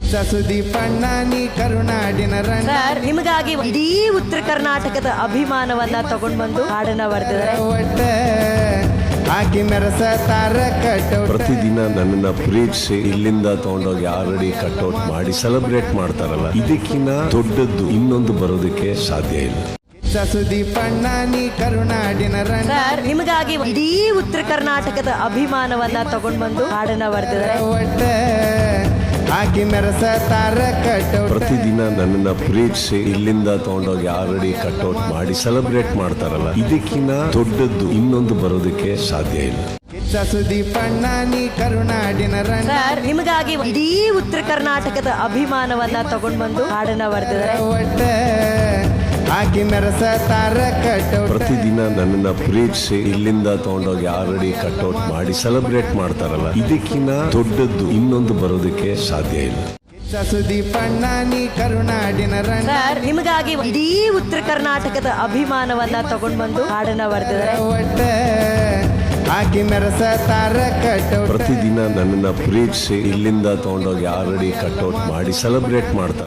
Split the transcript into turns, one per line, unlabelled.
ಸುದೀಪಣ್ಣ ನೀ ಕರುನಾಡಿನ ರಣ್ಣ
ಸರ್ ನಿಮಗಾಗಿ ಇಡೀ ಉತ್ತರ ಕರ್ನಾಟಕದ ಅಭಿಮಾನವನ್ನ ತಗೊಂಡ್ ಬಂದು ಹಾಡನ್ನ ಬರೆದಿದ್ದಾರೆ.
ಒಟ್ಟ ಹಾಕಿ ಮೆರಸ ತಾರ ಕಟೌಟ್
ಪ್ರತಿದಿನ ನನ್ನನ್ನ ಪ್ರೀತಿಸಿ ಇಲ್ಲಿಂದ ತಗೊಂಡೋಗಿ ಆಲ್ರೆಡಿ ಕಟ್ಔಟ್ ಮಾಡಿ ಸೆಲೆಬ್ರೇಟ್ ಮಾಡ್ತಾರಲ್ಲ, ಇದಕ್ಕಿಂತ ದೊಡ್ಡದ್ದು ಇನ್ನೊಂದು ಬರೋದಕ್ಕೆ ಸಾಧ್ಯ ಇಲ್ಲ.
ಸುದೀಪಣ್ಣ ನೀ ಕರುನಾಡಿನ ರಣ್ಣ
ಸರ್ ನಿಮಗಾಗಿ ಇಡೀ ಉತ್ತರ ಕರ್ನಾಟಕದ ಅಭಿಮಾನವನ್ನ ತಗೊಂಡ್ ಬಂದು ಹಾಡನ್ನ ಬರೆದಿದ್ದಾರೆ.
ಒಟ್ಟ ಹಾಕಿ ಮೆರಸ ತಾರ ಕಟೌಟ್
ಪ್ರತಿದಿನ ನನ್ನನ್ನ ಪ್ರೀತಿಸಿ ಇಲ್ಲಿಂದ ತಗೊಂಡೋಗಿ ಆಲ್ರೆಡಿ ಕಟ್ಔಟ್ ಮಾಡಿ ಸೆಲೆಬ್ರೇಟ್ ಮಾಡ್ತಾರಲ್ಲ, ಇದಕ್ಕಿಂತ ದೊಡ್ಡದ್ದು ಇನ್ನೊಂದು ಬರೋದಕ್ಕೆ ಸಾಧ್ಯ ಇಲ್ಲ.
ಸುದೀಪಣ್ಣ ನೀ ಕರುನಾಡಿನ ರಣ್ಣ
ಸರ್ ನಿಮಗಾಗಿ ಇಡೀ ಉತ್ತರ ಕರ್ನಾಟಕದ ಅಭಿಮಾನವನ್ನ ತಗೊಂಡ್ ಬಂದು ಹಾಡನ್ನ ಬರೆದಿದ್ದಾರೆ.
ಒಟ್ಟ ಹಾಕಿ ಮೆರಸ ತಾರ ಕಟೌಟ್
ಪ್ರತಿದಿನ ನನ್ನನ್ನ ಪ್ರೀತಿಸಿ ಇಲ್ಲಿಂದ ತಗೊಂಡೋಗಿ ಆಲ್ರೆಡಿ ಕಟ್ಔಟ್ ಮಾಡಿ ಸೆಲೆಬ್ರೇಟ್ ಮಾಡ್ತಾರಲ್ಲ, ಇದಕ್ಕಿಂತ ದೊಡ್ಡದ್ದು ಇನ್ನೊಂದು ಬರೋದಕ್ಕೆ ಸಾಧ್ಯ ಇಲ್ಲ.
ಸುದೀಪಣ್ಣ ನೀ ಕರುನಾಡಿನ ರಣ್ಣ
ಸರ್ ನಿಮಗಾಗಿ ಇಡೀ ಉತ್ತರ ಕರ್ನಾಟಕದ ಅಭಿಮಾನವನ್ನ ತಗೊಂಡ್ ಬಂದು ಹಾಡನ್ನ ಬರೆದಿದ್ದಾರೆ.
ಒಟ್ಟ ಹಾಕಿ ಮೆರಸ ತಾರ ಕಟೌಟ್
ಪ್ರತಿದಿನ ನನ್ನನ್ನ ಪ್ರೀತಿಸಿ ಇಲ್ಲಿಂದ ತಗೊಂಡೋಗಿ ಆಲ್ರೆಡಿ ಕಟ್ಔಟ್ ಮಾಡಿ ಸೆಲೆಬ್ರೇಟ್ ಮಾಡ್ತಾರೆ.